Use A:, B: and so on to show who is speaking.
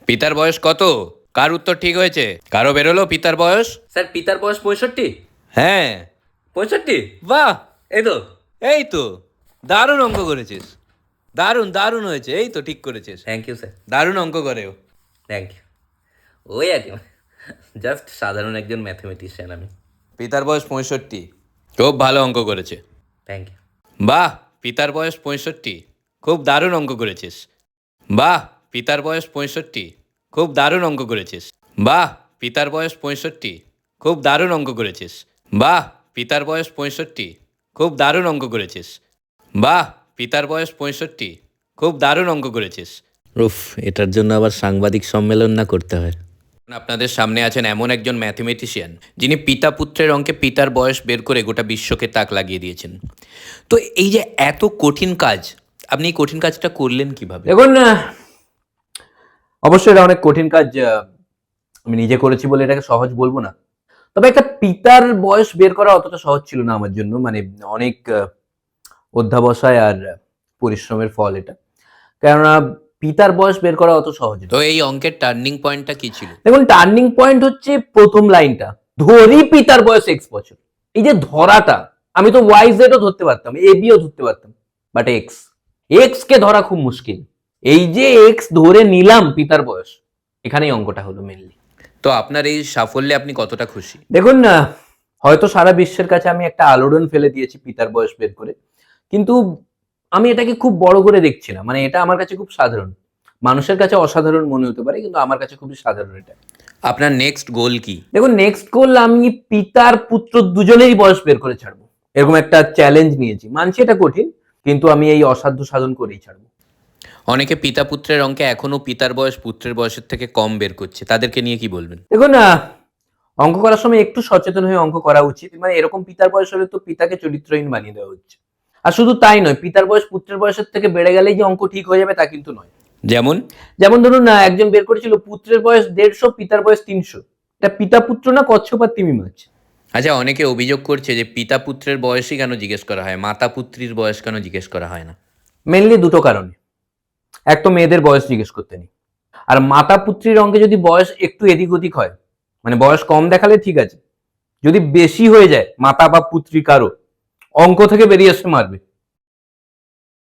A: পিতার বয়স কত? কার উত্তর ঠিক হয়েছে? কারো বেরোলো পিতার বয়স?
B: স্যার পিতার বয়স 65।
A: হ্যাঁ।
B: 65?
A: বাহ,
B: এই তো।
A: এই তো, দারুণ অঙ্ক করেছিস। দারুণ দারুণ হয়েছে, এই তো ঠিক করেছিস।
B: Thank you sir.
A: দারুণ অঙ্ক করেও।
B: Thank you. ওই আর কি, জাস্ট সাধারণ একজন ম্যাথমেটিশিয়ান আমি।
A: পিতার বয়স 65, খুব ভালো অঙ্ক করেছে।
B: Thank you.
A: বাহ, পিতার বয়স 65, খুব দারুণ অঙ্ক করেছিস। বাহ, পিতার বয়স 65, খুব দারুণ অঙ্ক করেছিস। বাহ, পিতার বয়স 65, খুব দারুণ অঙ্ক করেছিস। বাহ, পিতার বয়স 65, খুব দারুণ অঙ্ক করেছিস। বাহ, পিতার বয়স 65, খুব দারুণ অঙ্ক করেছিস।
B: উফ, এটার জন্য আবার সাংবাদিক সম্মেলন না করতে হয়।
A: আপনাদের সামনে আছেন এমন একজন ম্যাথমেটিশিয়ান যিনি পিতা পুত্রের অঙ্কে পিতার বয়স বের করে গোটা বিশ্বকে তাক লাগিয়ে দিয়েছেন। তো এই যে এত কঠিন কাজ, আপনি এই কঠিন কাজটা করলেন কিভাবে?
C: দেখুন, অবশ্যই এটা অনেক কঠিন কাজ। আমি নিজে করেছি বলে এটাকে সহজ বলবো না। তবে একটা পিতার বয়স বের করা অতটা সহজ ছিল না আমার জন্য। মানে অনেক অধ্যাবসায় আর পরিশ্রমের ফল এটা। কেননা পিতার বয়স বের করা অত সহজ না।
A: তো এই অঙ্কের টার্নিং পয়েন্টটা কি ছিল?
C: দেখুন, টার্নিং পয়েন্ট হচ্ছে প্রথম লাইনটা, ধরি পিতার বয়স এক্স বছর। এই যে ধরাটা, আমি তো ওয়াই জেডও ধরতে পারতাম, এ বিও ধরতে পারতাম, বাট এক্স, এক্স কে ধরা খুব মুশকিল। এই যে এক্স ধরে নিলাম পিতার বয়স, এখানেই অঙ্কটা হলো মেনলি।
A: তো আপনার এই সাফল্যে আপনি কতটা খুশি?
C: দেখুন না, হয়তো সারা বিশ্বের কাছে আমি একটা আলোড়ন ফেলে দিয়েছি পিতার বয়স বের করে, কিন্তু আমি এটাকে খুব বড় করে দেখছি না। মানে এটা আমার কাছে খুব সাধারণ, মানুষের কাছে অসাধারণ মনে হতে পারে, কিন্তু আমার কাছে খুবই সাধারণ এটা।
A: আপনার নেক্সট গোল কি?
C: দেখুন, নেক্সট গোল আমি পিতার পুত্র দুজনেরই বয়স বের করে ছাড়বো, এরকম একটা চ্যালেঞ্জ নিয়েছি। মানছি এটা কঠিন, কিন্তু আমি এই অসাধ্য সাধন করেই ছাড়বো।
A: অনেকে পিতা পুত্রের অঙ্কে এখনো পিতার বয়স পুত্রের বয়সের থেকে কম বের করছে, তাদেরকে নিয়ে কি বলবেন?
C: দেখুন, অঙ্ক করার সময় একটু সচেতন হয়ে অঙ্ক করা উচিত। মানে এরকম পিতার বয়স হলে তো পিতাকে চরিত্রহীন বানিয়ে দেওয়া হচ্ছে। আর শুধু তাই নয়, পিতার বয়স পুত্রের বয়সের থেকে বেড়ে গেলেই যে অঙ্ক ঠিক হয়ে যাবে তা কিন্তু নয়।
A: যেমন?
C: যেমন ধরুন না, একজন বের করেছিল পুত্রের বয়স 150, পিতার বয়স 300। এটা পিতা পুত্র না, কচ্ছপ আর তিমি মাছ।
A: আচ্ছা, অনেকে অভিযোগ করছে যে পিতা পুত্রের বয়সই কেন জিজ্ঞেস করা হয়, মাতা পুত্রীর বয়স কেন জিজ্ঞেস করা হয় না?
C: মেনলি দুটো কারণে। এক তো মেয়েদের বয়স জিজ্ঞেস করতে নেই, আর মাতা পুত্রীর অঙ্কে যদি বয়স একটু এদিক ওদিক হয়, মানে বয়স কম দেখালে ঠিক আছে, যদি বেশি হয়ে যায় মাতা বা পুত্রী কারো, অঙ্ক থেকে বেরিয়ে আসতে মারবে।